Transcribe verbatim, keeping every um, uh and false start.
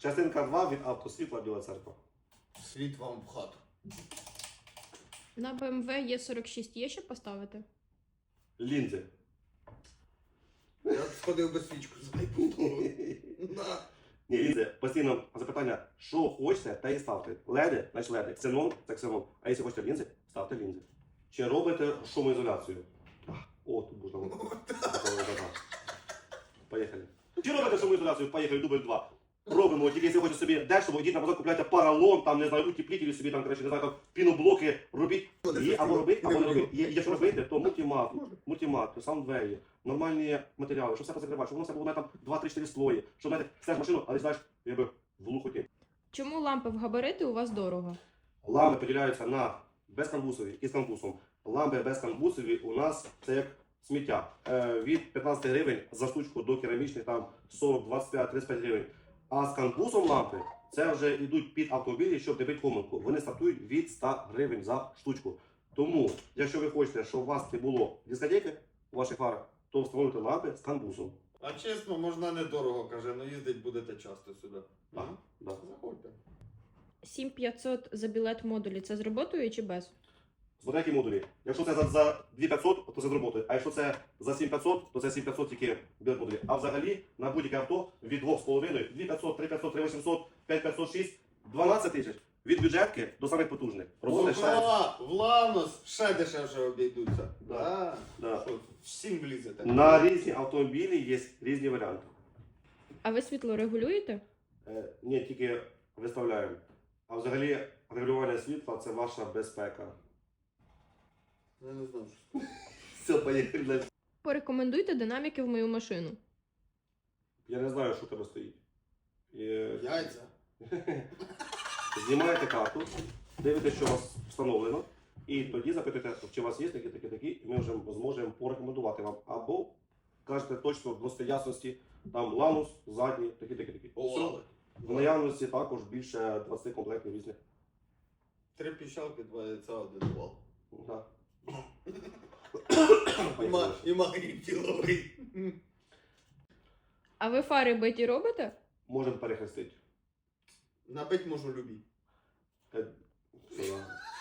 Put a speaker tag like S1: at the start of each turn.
S1: Частинка два від автосвітла Біла Церква.
S2: Світ вам в хату.
S3: На Б М В Е сорок шість є що поставити?
S1: Лінзи.
S2: Я б сходив би свічку заліпнув. На.
S1: Ні, лінзи. Постійно запитання, що хочете, те і ставте. Леди, значить леди. Ксенон, це ксенон. А якщо хочете лінзи, ставте лінзи. Чи робите шумоізоляцію? Так. О, тут можна. Поїхали. Чи робите шумоізоляцію? Поїхали, дубль два. Робимо, тільки якщо хочете собі дешево, йдіть на базар, купляйте паралон, там, не знаю, утеплітелі собі, там, коротше, не знаю, там, піноблоки, робіть. Є або робити, або не робити. Є, якщо робити, то мультимат, мультимат, саундвеї, нормальні матеріали, щоб все позакривати, щоб воно все було, знаєте, там, два-три-чотири слої, щоб, знаєте, стеш машину, але, знаєш, якби в глухоті.
S3: Чому лампи в габарити у вас дорого?
S1: Лампи поділяються на безкамбусові і з камбусом. Лампи безкамбусові у нас це як сміття. Е, від п'ятнадцять гривень за штучку до керамічних там сорок, двадцять п'ять, тридцять п'ять гривень. А з камбусом лампи це вже йдуть під автомобілі, щоб не бити помилку. Вони стартують від ста гривень за штучку. Тому, якщо ви хочете, щоб у вас не було дискотеки у ваших фарах, то встановлюйте лампи з камбусом.
S2: А чесно, можна недорого, каже, ну їздить будете часто сюди.
S1: Так, да.
S2: Заходьте.
S3: сім п'ятсот за білет модулі це з роботою чи без?
S1: Смотри, які модулі. Якщо це за, за дві тисячі п'ятсот, то це з роботою. А якщо це за сім тисяч п'ятсот, то це сім тисяч п'ятсот тільки білет модулі. А взагалі на будь-яке авто від двох з половиною, дві тисячі п'ятсот, три тисячі п'ятсот, три тисячі вісімсот, п'ять тисяч п'ятсот шість, дванадцять тисяч. Від бюджетки до самих потужних. Роботи ще.
S2: Ова, в Ланос ще дешевше обійдуться.
S1: Да. Да.
S2: Що, всім влізете.
S1: На різні автомобілі є різні варіанти.
S3: А ви світло регулюєте?
S1: Е, ні, тільки виставляємо. А взагалі регулювання світла це ваша безпека.
S2: Я не знаю, що.
S1: Все, поїхали.
S3: Порекомендуйте динаміки в мою машину.
S1: Я не знаю, що в тебе стоїть. Е,
S2: Яйця.
S1: Знімаєте карту, дивитесь, що у вас встановлено, і тоді запитуєте, чи у вас є такі, такі, такі, і ми вже зможемо порекомендувати вам. Або кажете точно в ясності, там ланус, задній, такі, такі, такі.
S2: Овали.
S1: В наявності також більше двадцять комплектів різних.
S2: Три піщалки, два яйця, один овал.
S1: Да.
S2: І ма- І магній тіловий.
S3: А ви фари биті робите?
S1: Можемо перехрестити.
S2: Набить можу любі.
S1: Е, все, да.